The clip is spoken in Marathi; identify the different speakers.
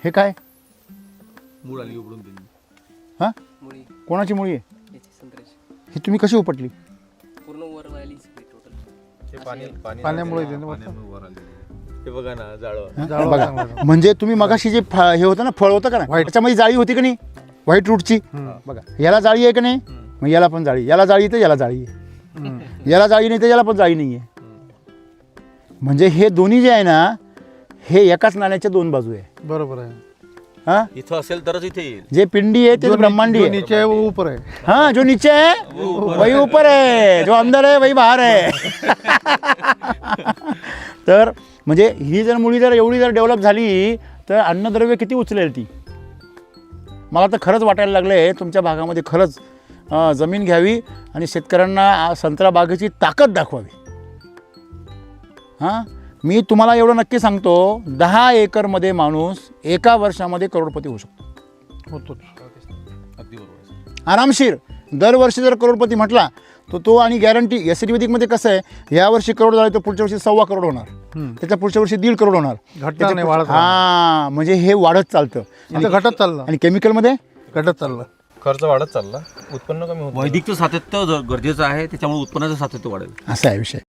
Speaker 1: हे काय?
Speaker 2: मूळ आली उघडून दिली.
Speaker 1: हां,
Speaker 3: मुळी
Speaker 1: कोणाची मुळी आहे?
Speaker 3: याची संत्र्याची
Speaker 1: ही तुम्ही कशी उपटली?
Speaker 3: पूर्ण वर व्हायली सगळी टोटल.
Speaker 2: ते
Speaker 4: पाण्यामुळे ते
Speaker 2: पाण्यामुळे वर आली. हे बघा ना जाळं.
Speaker 1: हां,
Speaker 4: जाळं
Speaker 1: बघा
Speaker 4: चांगलं.
Speaker 1: म्हणजे तुम्ही मगाशी जे हे होतं ना, फळ होतं का ना,
Speaker 4: White.
Speaker 1: त्याच्यामध्ये जाळी होती का नाही, व्हाईट रूटची. बघा याला जाळी आहे का नाही, मग याला पण जाळी, याला जाळी तर याला जाळी आहे, याला जाळी नाही तर याला पण जाळी नाही आहे. म्हणजे हे दोन्ही जे आहे ना, हे एकाच नाण्याच्या दोन बाजू आहे.
Speaker 4: बरोबर आहे.
Speaker 1: हां,
Speaker 2: इथं असेल तरच इथे येईल.
Speaker 1: जे पिंडी आहे ते ब्रह्मांडी
Speaker 4: जो
Speaker 1: आहे.
Speaker 4: नीचे है वो ऊपर है.
Speaker 1: हाँ, जो नीचे है वही ऊपर है, जो अंदर है वही बाहर है. तर म्हणजे ही जर मुळी जर एवढी जर डेव्हलप झाली तर अन्नद्रव्य किती उचलेल ती. मला तर खरंच वाटायला लागले तुमच्या भागामध्ये खरंच जमीन घ्यावी आणि शेतकऱ्यांना संत्रा बागेची ताकद दाखवावी. हां, मी तुम्हाला एवढं नक्की सांगतो, 10 एकरमध्ये माणूस एका वर्षामध्ये करोडपती होऊ शकतो.
Speaker 4: होतोच.
Speaker 2: अगदी बरोबर.
Speaker 1: आरामशीर. दरवर्षी जर करोडपती म्हटला तर तो आणि गॅरंटी. एस मध्ये कसं आहे, यावर्षी करोड झाले तर पुढच्या वर्षी 1.25 करोड होणार, त्याच्या पुढच्या वर्षी 1.5 करोड होणार.
Speaker 4: घटना नाही, वाढत
Speaker 1: हां, म्हणजे हे वाढत चालतं.
Speaker 4: इथं घटत चाललं,
Speaker 1: आणि केमिकलमध्ये
Speaker 4: घटत चाललं.
Speaker 2: खर्च वाढत चालला, उत्पन्न कमी होतं. वैदिकचं सातत्य गरजेचं आहे, त्याच्यामुळे उत्पन्नाचं सातत्य वाढेल.
Speaker 1: असा आहे विषय.